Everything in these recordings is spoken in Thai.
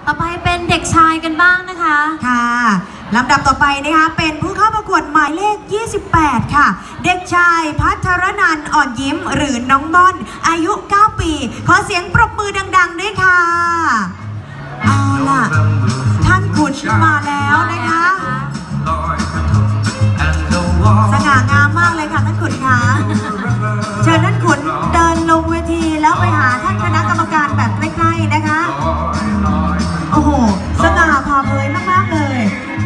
ต่อไปเป็นเด็กชายกันบ้างนะคะค่ะลำดับต่อไปนะคะเป็นผู้เข้าประกวดหมายเลข 28 ค่ะ เด็กชายพัทรนันท์อ่อนยิ้มหรือน้องม่อนอายุ 9 ปี ขอเสียงปรบมือดังๆด้วยค่ะเอาล่ะท่านขุนมาแล้วนะคะสง่างามมากเลยค่ะท่านขุนคะเชิญท่านขุนเดินลงเวทีแล้วไปหาท่านคณะกรรมการแบบใกล้ๆนะคะโอ้โหสง่าผ่าเผยมากๆเลย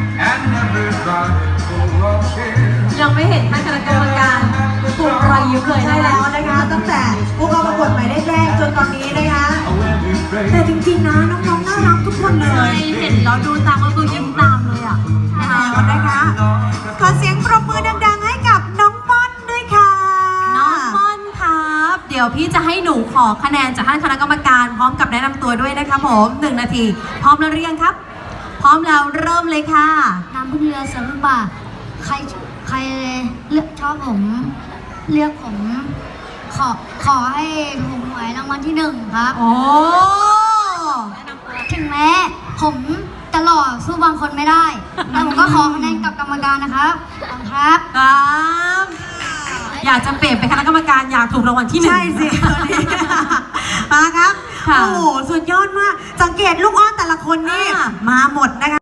ยังไม่เห็นท่านคณะกรรมการปลุกรอยยิ้มเลยใช่แล้วนะคะตั้งแต่ผู้เข้าประกวดหมายเลขแรกจนตอนนี้นะคะแต่จริงๆนะน้องๆน่ารักทุกคนเลยเห็นแล้วดูตามก็คือยิ้มตามเลยอ่ะนะคะขอเสียงปรบมือดังๆให้กับน้องม่อนด้วยค่ะน้องม่อนครับเดี๋ยวพี่จะให้หนูขอคะแนนจากท่านคณะกรรมการพร้อมกับแนะนำตัวด้วยนะคะผม1 นาทีพร้อมแล้วหรือยังครับพร้อมแล้วเริ่มเลยค่ะน้ำพึ่งเรือสรุปป่าใครเลือกชอบผมเลือกผมขอให้ผมหวยรางวัลที่1ครับโอ้ถึงแม้ผมจะหล่อสู้บางคนไม่ได้แต่ผมก็ขอคะแนนกับกรรมการนะครับครับอยากจะเปลี่ยนเป็นคณะกรรมการอยากถูกรางวัลที่1 ใช่สิมาครับโอ้โหสุดยอดมากสังเกตลูกอ้อนแต่ละคนนี่มาหมดนะคะ